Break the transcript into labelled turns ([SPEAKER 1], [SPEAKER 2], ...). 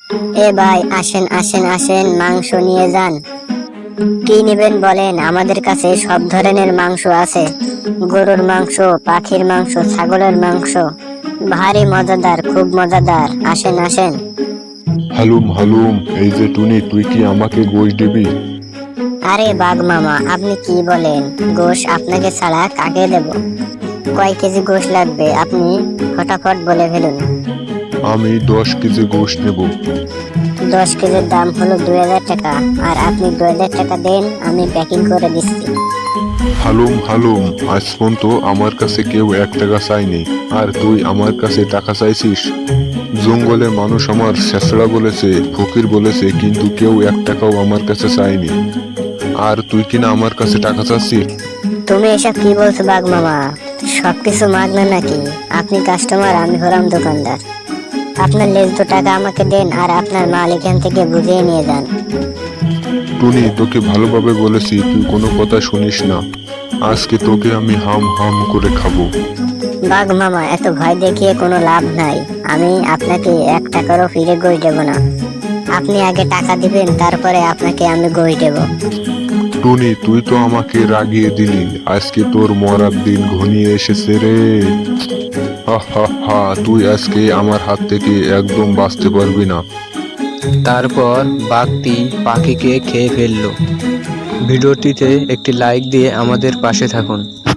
[SPEAKER 1] এ ভাই, আসেন আসেন আসেন, মাংস নিয়ে যান। কি নেবেন বলেন, আমাদের কাছে সব ধরনের মাংস আছে। গরুর মাংস, পাখির মাংস, ছাগলের মাংস, ভারী মজাদার, খুব মজাদার। আসেন আসেন।
[SPEAKER 2] হালুম হালুম, এই যে টুনি, তুই কি আমাকে গোশ দিবি?
[SPEAKER 1] আরে বাঘ মামা, আপনি কি বলেন? গোশ আপনাকে ছাড়া কাকে দেব? কয় কেজি গোশ লাগবে আপনি ফটাফট বলে ফেলুন।
[SPEAKER 2] আমি 10 কেজি গোশ নেব।
[SPEAKER 1] 10 কেজির দাম হলো 2000 টাকা। আর আপনি 2000 টাকা দেন, আমি প্যাকিং করে দিচ্ছি।
[SPEAKER 2] হালুম হালুম, আজ পর্যন্ত আমার কাছে কেউ 1 টাকা চায়নি, আর তুই আমার কাছে টাকা চাইছিস? জঙ্গলের মানুষ আমার শেষড়া বলেছে, ফকির বলেছে, কিন্তু কেউ 1 টাকাও আমার কাছে চায়নি। আর তুই কিনা আমার কাছে টাকা চাচ্ছিস?
[SPEAKER 1] তুমি এসব কি বলছো বাঘ মামা? সবকিছু মাগনা নাকি? আপনি কাস্টমার, আমি হলাম দোকানদার। আপনার লেজ টাকা আমাকে দেন, আর আপনার মাল এখান থেকে বুঝিয়ে নিয়ে যান।
[SPEAKER 2] টুনি, তোকে ভালোভাবে বলেছি, তুই কোনো কথা শুনিস না। আজকে তোকে আমি হাম হাম করে খাবো।
[SPEAKER 1] বাঘ মামা, এত ভয় দেখিয়ে কোনো লাভ নাই। আমি আপনাকে 1 টাকারও ফিরে গোশ দেব না। আপনি আগে টাকা দিবেন, তারপরে আপনাকে আমি গোশ দেব।
[SPEAKER 2] টুনি, তুই তো আমাকে রাগিয়ে দিলি, আজকে তোর মরার দিন ঘনিয়ে এসেছে রে। হা হা হা, তুই আজকে আমার হাত থেকে একদম বাঁচতে পারবি না।
[SPEAKER 3] তারপর বাঘটি পাখিকে খেয়ে ফেলল। ভিডিওটিতে একটি লাইক দিয়ে আমাদের পাশে থাকুন।